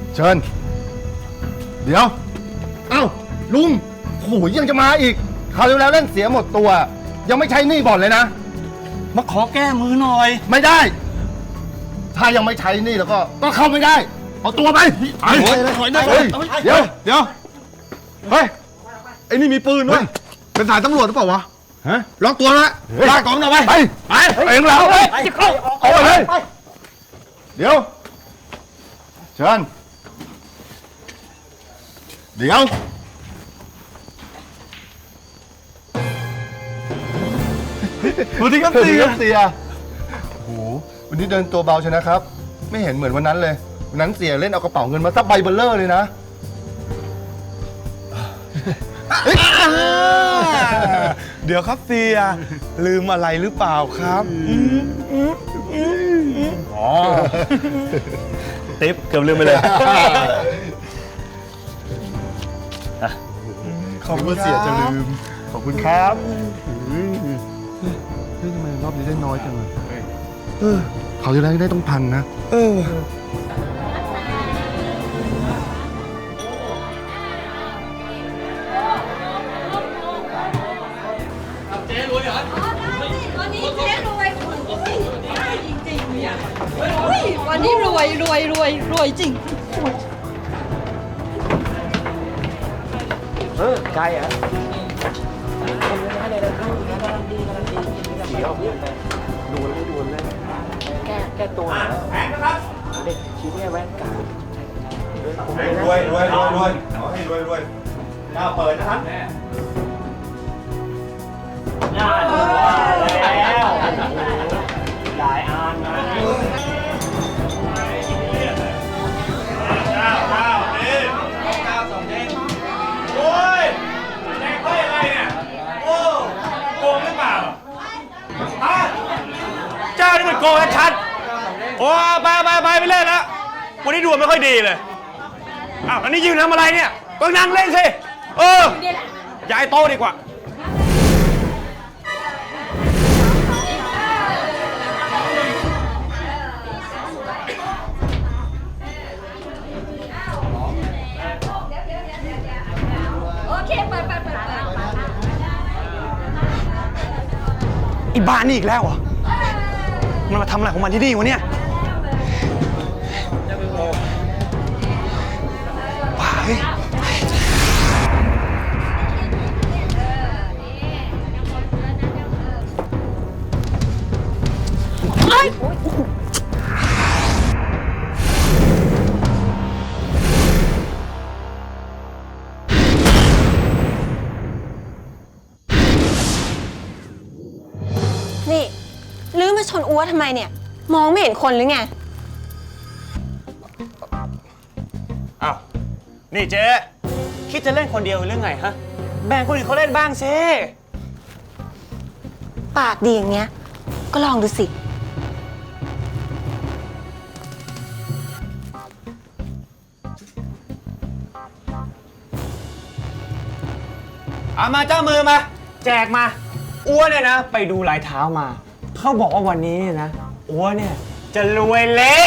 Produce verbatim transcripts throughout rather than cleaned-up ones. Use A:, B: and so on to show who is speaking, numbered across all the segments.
A: เชิญเดี๋ยวเอ้าลุงโหยังจะมาอีกคราวที่แล้วเล่นเสียหมดตัวยังไม่ใช้หนี้บ่อนเลยนะ
B: มาขอแก้มือหน่อย
A: ไม่ได้ถ้ายังไม่ใช้หนี้แล้วก็ก็เข้าไม่ได้เอาตัวไปไอ้เดี๋ยวเดี๋ยวเฮ้ยไอ้นี่มีปืนด้วยเป็นสายตำรวจหรือเปล่าวะฮะล็อกตัวแล้วลากกองหน่อยไปไปไปเองเราเอาไปเลยเดี๋ยวเชิญเดี๋ยวสวัสดีครับเสียเสียโอ้โหวันนี้เดินตัวเบาชนะครับไม่เห็นเหมือนวันนั้นเลยวันนั้นเสียเล่นเอากระเป๋าเงินมาซับใบเบลเลอร์เลยนะ
B: เดี๋ยวครับเสียลืมอะไรหรือเปล่าครับอ๋อติ๊บเกือบลืมไปเลย
A: ขอบคุณเสียจะลืมขอบคุณครับเฮ้ยทำไมรอบนี้ได้น้อยจังเลยเออเขาจะได้ได้ต้องพันนะเออ
C: เจ๊รวยเหรอวันนี้เจ๊รวยจริงๆเนี่ยวันนี้รวยรวยรวยรวยจริง
D: เออใครอ่ะเดี๋ยวดูเลยดูเลยแก้แก้ตัวแพงนะครับเด็กชิ้นนี้แว่นกา
E: ดรวยรวยรวยรวยขอให้รวยรวยเจ้าเปิดนะครับ
D: น่าดูแล้วหลายอันนะ
E: เจ้าเจ้านี่เจ้าสองเด้งโอ้ยแดงได้อะไรเนี่ยโอ้โกงหรือเปล่าฮะเจ้านี่มันโกงชัดโอ้ไปไปไปไปเล่นแล้ววันนี้ดวงไม่ค่อยดีเลยอ้าวอันนี้ยืนทำอะไรเนี่ยก็นั่งเล่นสิเออย้ายโต๊ะดีกว่า
C: โอเคไปไปไปไป
B: อีบ้านนี่อีกแล้วเหรอมันมาทำอะไรของมันที่นี่วะเนี่ยว้าเฮ้ย
F: นี่ลื้อมาชนอัวทำไมเนี่ยมองไม่เห็นคนหรือไง
B: อ้าวนี่เจ๊คิดจะเล่นคนเดียวหรือไงฮะแบ่งคนอื่นเขาเล่นบ้างสิ
F: ปากดีอย่างเงี้ยก็ลองดูสิ
B: เอามาเจ้ามือมาแจกมาอ้วนเนี่ยนะไปดูลายเท้ามาเขาบอกว่าวันนี้เนี่ยนะอ้วนเนี่ยจะรวยเละ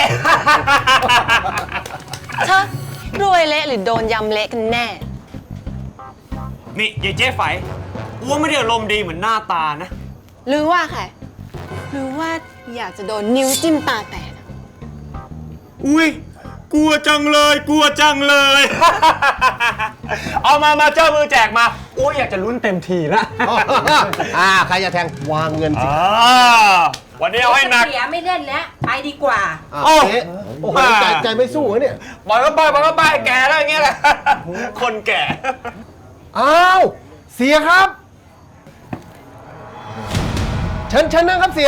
F: เธอรวยเละหรือโดนยำเละกันแน่
B: นี่ยายเจ๊ไฝอ้วนไม่ได้อารมณ์ดีเหมือนหน้าตานะ
F: หรือว่าใครหรือว่าอยากจะโดนนิ้วจิ้มตาแตก
B: อุ้ยกลัวจังเลยกลัวจังเลย เอามามาเจ้ามือแจกมาโอ้ยอยากจะลุ้นเต็มทีละ
D: อ่าใครจะแทงวางเงินสิ
B: วันนี้เอาให้หนัก
C: เสียไม่เล่นแล้วไปดีกว่า
D: โอ้โหใจใจไม่สู้เนี่ย
B: บอยก็ไปบอยก็ไปแก่แล้วอย่างเงี้ยแหละคนแก่
D: อ้าวเสียครับเชิญเชิญนั่งครับเสีย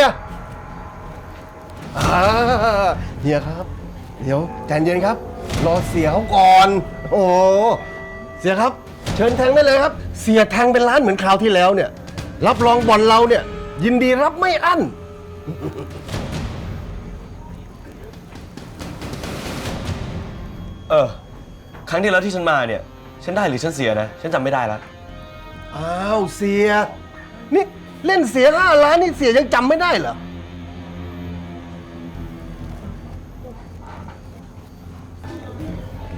D: เฮียครับเดี๋ยวใจเย็นครับรอเสียเขาก่อนโอ้เสียครับเชิญแทงได้เลยครับเสียแทงเป็นล้านเหมือนคราวที่แล้วเนี่ยรับรองบอลเราเนี่ยยินดีรับไม่อั้น
G: เออครั้งที่แล้วที่ฉันมาเนี่ยฉันได้หรือฉันเสียนะฉันจำไม่ได้แล้ว
D: อ้าวเสียนี่เล่นเสียห้าล้านนี่เสียยังจำไม่ได้เหรอ
G: น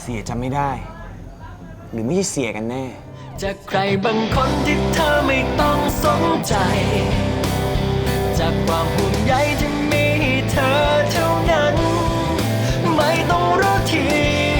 B: สียจำไม่ได้ หรือไม่ใช่เสียกันแน่
H: จากใครบางคนที่เธอไม่ต้องสนใจ จากความห่วงใยที่